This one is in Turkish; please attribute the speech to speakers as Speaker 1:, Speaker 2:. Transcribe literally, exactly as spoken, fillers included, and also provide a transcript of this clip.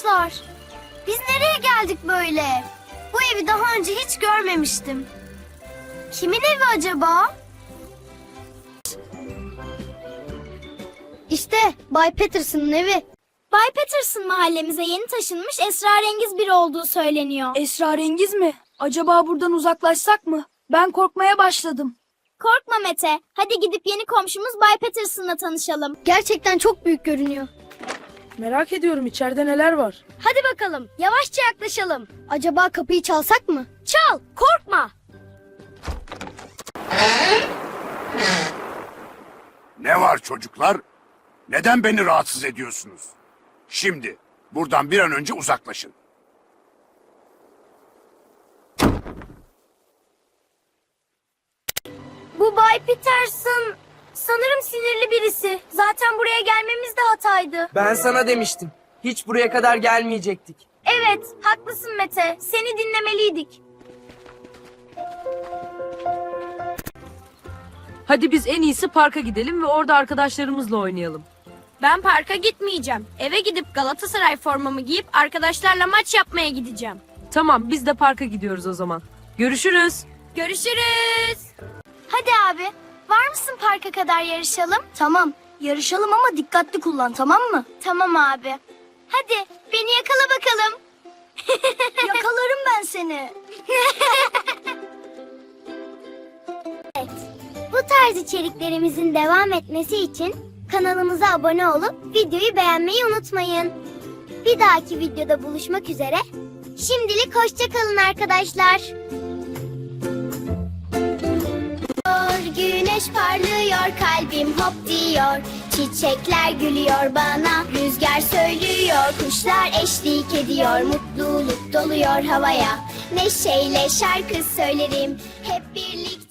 Speaker 1: Arkadaşlar, biz nereye geldik böyle? Bu evi daha önce hiç görmemiştim. Kimin evi acaba? İşte Bay Patterson'ın evi. Bay Patterson mahallemize yeni taşınmış esrarengiz biri olduğu söyleniyor.
Speaker 2: Esrarengiz mi? Acaba buradan uzaklaşsak mı? Ben korkmaya başladım.
Speaker 1: Korkma Mete. Hadi gidip yeni komşumuz Bay Patterson'la tanışalım. Gerçekten çok büyük görünüyor.
Speaker 2: Merak ediyorum içeride neler var.
Speaker 1: Hadi bakalım, yavaşça yaklaşalım. Acaba kapıyı çalsak mı? Çal, korkma.
Speaker 3: Ne var çocuklar? Neden beni rahatsız ediyorsunuz? Şimdi buradan bir an önce uzaklaşın.
Speaker 1: Bu Bay Patterson sanırım sinirli birisi. Zaten buraya gelmemiz de hataydı.
Speaker 4: Ben sana demiştim. Hiç buraya kadar gelmeyecektik.
Speaker 1: Evet, haklısın Mete. Seni dinlemeliydik.
Speaker 5: Hadi biz en iyisi parka gidelim ve orada arkadaşlarımızla oynayalım.
Speaker 6: Ben parka gitmeyeceğim. Eve gidip Galatasaray formamı giyip arkadaşlarla maç yapmaya gideceğim.
Speaker 5: Tamam, biz de parka gidiyoruz o zaman. Görüşürüz.
Speaker 6: Görüşürüz.
Speaker 1: Hadi abi, var mısın parka kadar yarışalım? Tamam, yarışalım ama dikkatli kullan, tamam mı? Tamam abi. Hadi, beni yakala bakalım. Yakalarım ben seni. Evet, bu tarz içeriklerimizin devam etmesi için kanalımıza abone olup videoyu beğenmeyi unutmayın. Bir dahaki videoda buluşmak üzere. Şimdilik hoşça kalın arkadaşlar. Güneş parlıyor, kalbim hop diyor. Çiçekler gülüyor bana, rüzgar söylüyor. Kuşlar eşlik ediyor, mutluluk doluyor havaya. Neşeyle şarkı söylerim, hep birlikte.